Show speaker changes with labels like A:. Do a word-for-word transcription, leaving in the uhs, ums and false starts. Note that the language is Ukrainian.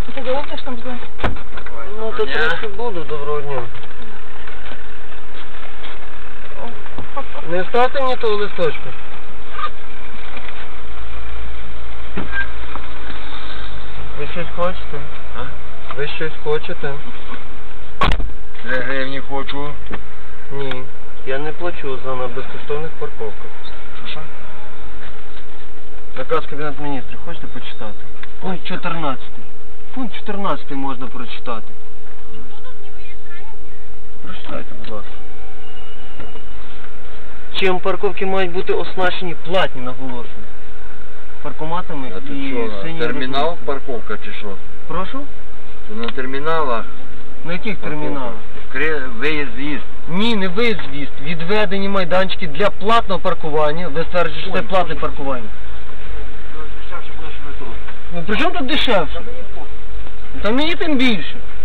A: Ти довго ж там буде?
B: Ну, то трохи буду, доброго дня. Не ставте мені того листочку. Ви щось хочете?
C: А?
B: Ви щось хочете?
C: Три гривні хочу.
B: Ні. Я не плачу за на безкоштовних парковках.
C: Що що?
B: Наказ Кабінету Міністрів хочете почитати? Пункт чотирнадцятий. Пункт чотирнадцятий можна прочитати. Прочитайте, будь ласка. Чим парковки мають бути оснащені платні, наголошую. Паркоматами
C: А
B: і
C: тут що,
B: синьою
C: термінал
B: розміткою.
C: парковка чи що?
B: Прошу?
C: То на терміналах.
B: На яких терміналах?
C: Кри- Виїзд, з'їзд.
B: Ні, не виїзд, з'їзд. Відведені майданчики для платного паркування. Ви стверджуєте, що це платне паркування. Ну при чому тут дешевше? Та мені тим більше.